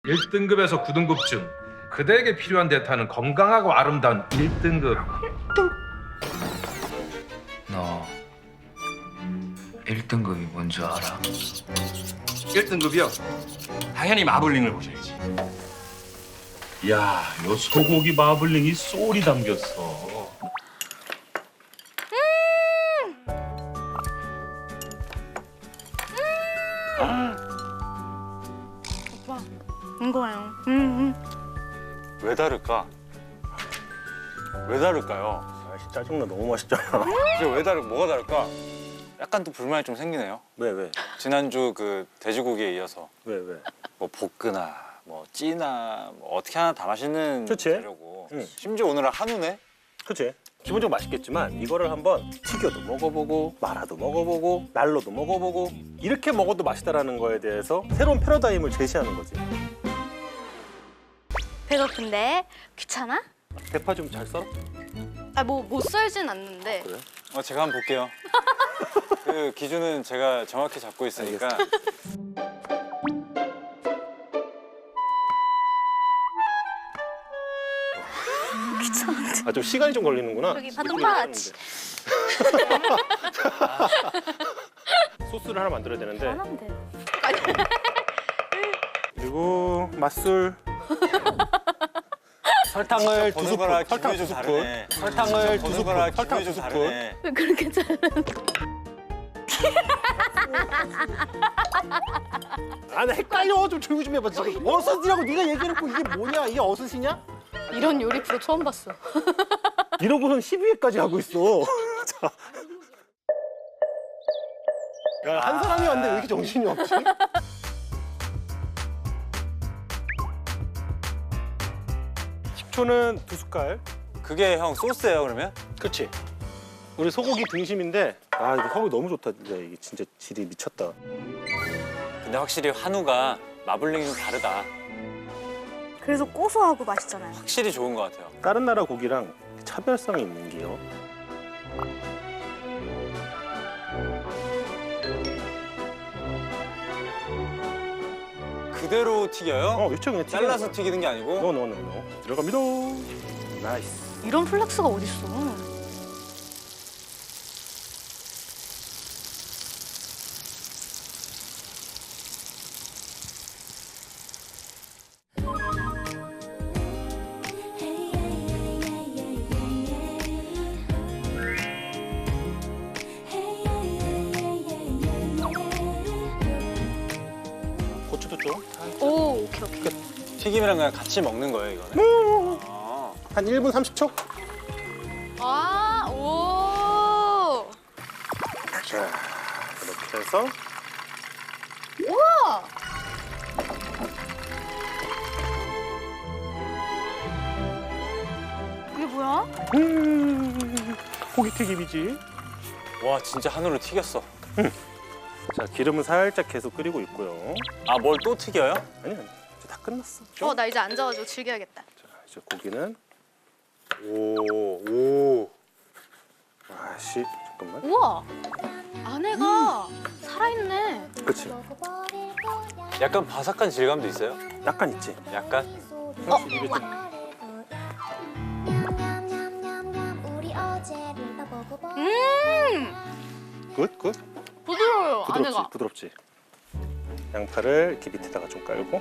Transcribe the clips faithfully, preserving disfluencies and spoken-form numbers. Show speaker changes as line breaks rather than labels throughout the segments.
일 등급에서 구 등급 중 그대에게 필요한 데이터는 건강하고 아름다운 일 등급.
너 일 등급이 뭔지 알아?
일 등급이요? 당연히 마블링을 보셔야지.
야, 요 소고기 마블링이 쏠이 담겼어.
오빠, 이거예요. 음, 음.
왜 다를까? 왜 다를까요?
아, 짜증나. 너무 맛있잖아.
이게 왜 다를 뭐가 다를까? 약간 또 불만이 좀 생기네요.
왜 왜?
지난주 그 돼지고기에 이어서
왜 왜?
뭐 볶으나 뭐 찌나 뭐 어떻게 하나 다 맛있는
그치?
재료고
응.
심지어 오늘은 한우네?
그치? 기본적으로 맛있겠지만 이거를 한번 튀겨도 먹어보고 말아도 먹어보고 날로도 먹어보고 이렇게 먹어도 맛있다라는 거에 대해서 새로운 패러다임을 제시하는 거지.
배고픈데 귀찮아?
대파 좀 잘 썰어?
아, 뭐 못 썰진 않는데.
그래?
어, 제가 한번 볼게요. 그 기준은 제가 정확히 잡고 있으니까.
귀찮은데.
아 좀 시간이 좀 걸리는구나.
여기 바톤파치.
소스를 하나 만들어야 되는데.
하면 돼.
그리고 맛술. 설탕을 두
보는
스푼.
거랑
설탕
기분이
두
좀
스푼.
다르네.
설탕을 두
보는
스푼.
거랑
설탕
기분이
두
좀
스푼.
다르네.
왜 그렇게 잘해?
아, 나 헷갈려. 좀 조용히 좀 해봐. 지금 어슷이라고 네가 얘기해놓고 이게 뭐냐? 이게 어슷이냐?
이런 요리 프로 처음 봤어.
이러고선 십이 회까지 하고 있어. 자. 야, 한 사람이 왔는데 왜 이렇게 정신이 없지? 식초는 두 숟갈.
그게 형 소스예요 그러면?
그렇지. 우리 소고기 등심인데 아 이거 소고기 너무 좋다. 진짜 이게 진짜 질이 미쳤다.
근데 확실히 한우가 마블링이 좀 다르다.
그래서 고소하고 맛있잖아요.
확실히 좋은 것 같아요.
다른 나라 고기랑 차별성이 있는 게요.
그대로 튀겨요?
어, 그쵸 그냥 튀기는
잘라서
거야.
튀기는 게 아니고?
노노노노 들어갑니다. 나이스.
이런 플렉스가 어딨어.
고추도 좀.
오, 오케이, 오케이.
튀김이랑 그냥 같이 먹는 거예요 이거는? 아.
한 일 분 삼십 초?
아, 오.
자, 이렇게 해서
우와. 이게 뭐야?
음, 고기 튀김이지.
와 진짜 한우를 튀겼어.
자, 기름은 살짝 계속 끓이고 있고요.
아 뭘 또 튀겨요?
아니 아니, 이제 다 끝났어.
어, 나 이제 앉아가지고 즐겨야겠다.
자, 이제 고기는
오, 오.
아씨, 잠깐만.
우와. 안에가 살아있네.
그렇지.
약간 바삭한 질감도 있어요?
약간 있지.
약간?
어,
이게 좀
음,
굿, 굿.
부드러워요,
부드럽지,
안에가.
부드럽지. 양파를 이렇게 밑에다가 좀 깔고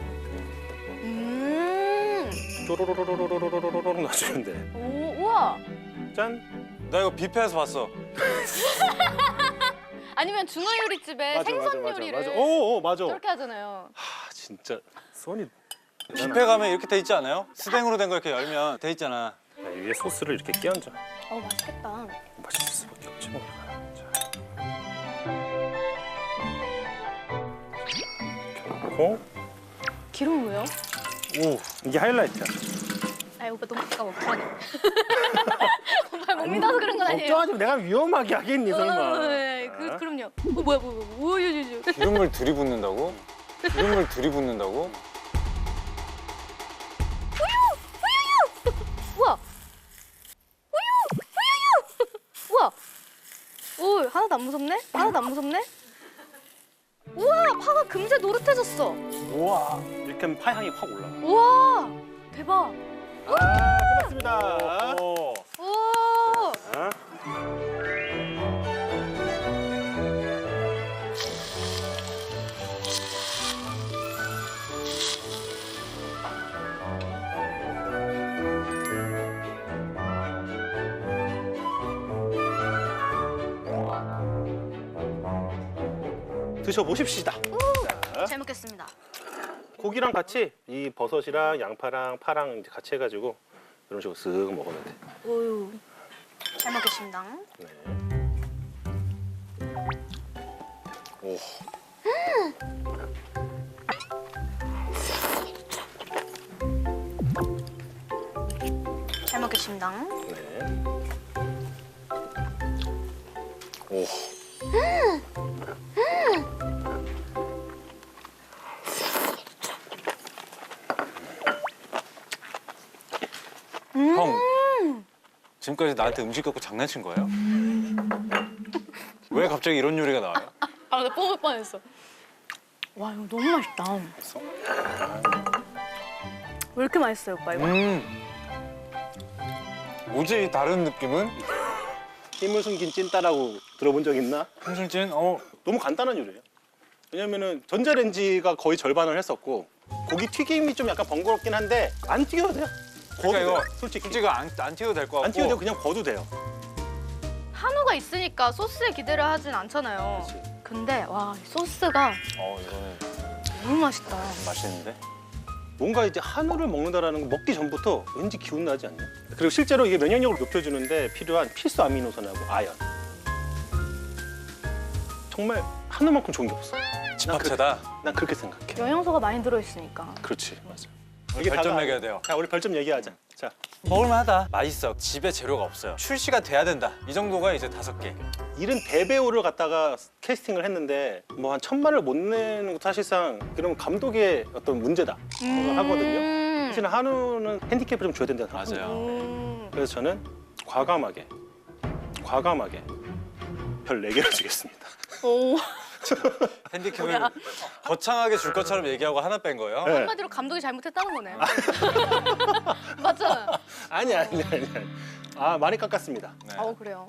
음,
쪼로로로로로로로로로 놔주면 돼.
오, 우와.
짠.
나 이거 뷔페에서 봤어.
아니면 중화요리집에 생선 요리를
맞아. 오, 오, 맞아.
저렇게 하잖아요.
아, 진짜 손이.
뷔페 가면 이렇게 돼 있지 않아요? 스댕으로 된 거 이렇게 열면 돼 있잖아.
자, 위에 소스를 이렇게 끼얹어.
어, 맛있겠다.
맛있을 수밖에 없지 뭐. 자. 이렇게 넣고.
기름 왜요?
오, 이게 하이라이트야.
아이, 오빠 너무 가까워. 불안해. 오빠 못 믿어서 그런 건 아니에요.
걱정하지 마. 내가 위험하게 하겠니 설마.
어, 네, 그, 그럼요. 어, 뭐야, 뭐야, 뭐야. 뭐야, 뭐야, 뭐야.
기름을 들이붓는다고? 기름을 들이붓는다고?
우와! 우유! 우유유! 우와! 오, 하나도 안 무섭네? 하나도 안 무섭네? 우와! 파가 금세 노릇해졌어.
우와. 이렇게 이렇게 하면 파 향이 확 올라와.
우와 대박.
아, 끝났습니다.
오.
오.
자. 드셔보십시다. 자,
잘 먹겠습니다.
고기랑 같이 이 버섯이랑 양파랑 파랑 이제 같이 해가지고 이런 식으로 쓱 먹으면 돼.
오유. 잘 먹겠습니다.
네. 오.
잘 먹겠습니다.
네. 오.
형. 지금까지 나한테 음식 갖고 장난친 거예요? 왜 갑자기 이런 요리가 나와요?
아, 나 뿜을 뻔했어. 와, 이거 너무 맛있다.
맛있어?
왜 이렇게 맛있어요, 오빠 이거?
음. 뭐지 다른 느낌은?
힘을 숨긴 찐따라고 들어본 적 있나?
홍순진? 어.
너무 간단한 요리예요. 왜냐면은 전자레인지가 거의 절반을 했었고 고기 튀김이 좀 약간 번거롭긴 한데 안 튀겨도 돼요.
그러니까
거도
이거
돼요, 솔직히
솔직히 안, 안 튀어도 될 것 같고.
안 튀겨도 되고 그냥 거도 돼요.
한우가 있으니까 소스에 기대를 하진 않잖아요.
그렇지.
근데 와, 이 소스가
어 이거는
너무 맛있다.
맛있는데?
뭔가 이제 한우를 먹는다라는 거 먹기 전부터 왠지 기운 나지 않냐? 그리고 실제로 이게 면역력을 높여주는데 필요한 필수 아미노산하고 아연. 정말 한우만큼 좋은 게 없어.
집합체다.
난 그렇게 생각해.
영양소가 많이 들어있으니까.
그렇지, 맞아.
우리 별점
다가-
매겨야 돼요.
자, 우리 별점 얘기하자. 자,
먹을만하다. 맛있어. 집에 재료가 없어요. 출시가 돼야 된다. 이 정도가 이제 다섯 개.
이른 대배우를 갖다가 캐스팅을 했는데 뭐 한 천만을 못 내는 것도 사실상 그러면 감독의 어떤 문제다 생각을 하거든요.
음.
사실 한우는 핸디캡을 좀 줘야 된다는 생각합니다.
맞아요.
음.
그래서 저는 과감하게, 과감하게 별 네 개를 주겠습니다.
오.
핸디캡을 거창하게 줄 것처럼 얘기하고 하나 뺀 거예요.
네.
한마디로 감독이 잘못했다는 거네요. 맞잖아요.
아니 아니 아니. 아니. 아 많이 깎았습니다.
네.
어, 그래요.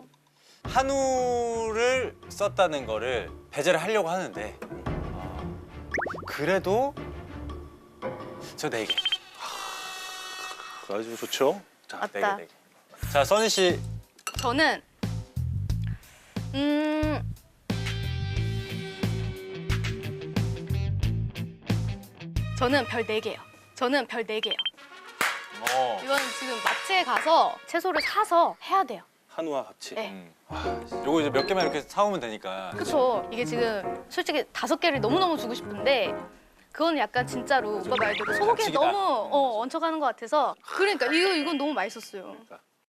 한우를 썼다는 거를 배제를 하려고 하는데 어, 그래도 저 네 개.
아주 좋죠. 자,
맞다.
네 개, 네 개. 자, 써니 씨.
저는 음 저는 별 네 개요. 저는 별 네 개요.
어.
이건 지금 마트에 가서 채소를 사서 해야 돼요.
한우와 같이.
네.
음. 요거 이제 몇 개만 이렇게 사오면 되니까.
그렇죠. 이게 지금 솔직히 다섯 개를 너무너무 주고 싶은데 그건 약간 진짜로 오빠 말대로 소고기에
반칙이다.
너무 어, 얹혀가는 것 같아서 그러니까 이거 이건 너무 맛있었어요.
그러니까